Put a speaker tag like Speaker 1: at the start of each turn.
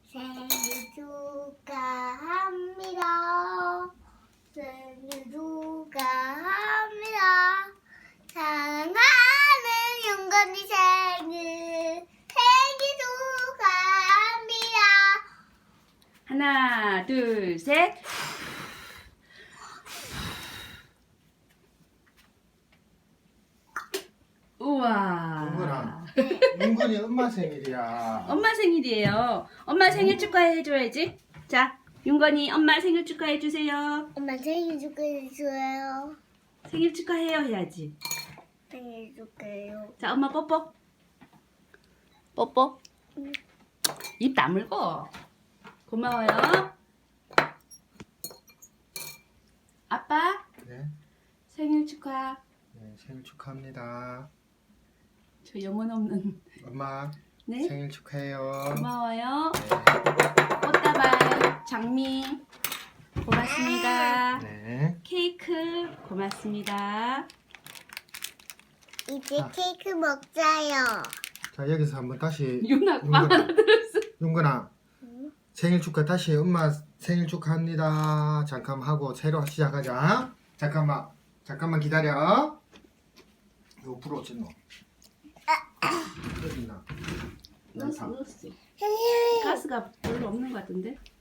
Speaker 1: 생일 축하합니다. 생일 축하합니다. 사랑하는 윤건이 생일 축하합니다.
Speaker 2: 하나, 둘, 셋. 우와.
Speaker 3: 윤건아, 윤건이 엄마 생일이야.
Speaker 2: 엄마 생일이에요. 엄마 생일 축하해줘야지. 자, 윤건이 엄마 생일 축하해주세요.
Speaker 1: 엄마 생일 축하해줘요.
Speaker 2: 생일 축하해요 해야지.
Speaker 1: 생일 축하해요.
Speaker 2: 자, 엄마 뽀뽀. 뽀뽀. 입 다물고. 고마워요. 아빠
Speaker 3: 네,
Speaker 2: 생일 축하.
Speaker 3: 네, 생일 축하합니다.
Speaker 2: 저 영혼 없는.
Speaker 3: 엄마
Speaker 2: 네.
Speaker 3: 생일 축하해요.
Speaker 2: 고마워요.
Speaker 3: 네.
Speaker 2: 꽃다발 장미 고맙습니다.
Speaker 3: 네.
Speaker 2: 케이크 고맙습니다.
Speaker 1: 이제
Speaker 3: 아.
Speaker 1: 케이크 먹자요.
Speaker 3: 자, 여기서 한번 다시
Speaker 2: 윤아 빵 하나 들었어.
Speaker 3: 윤건아,
Speaker 1: 응?
Speaker 3: 생일 축하 다시 엄마 생일 축하합니다. 잠깐 하고 새로 시작하자. 잠깐만 기다려. 이거 불 어딨노? 어딨나?
Speaker 2: 넣었어.
Speaker 1: 생일
Speaker 2: 가스가 별로 없는 것 같은데.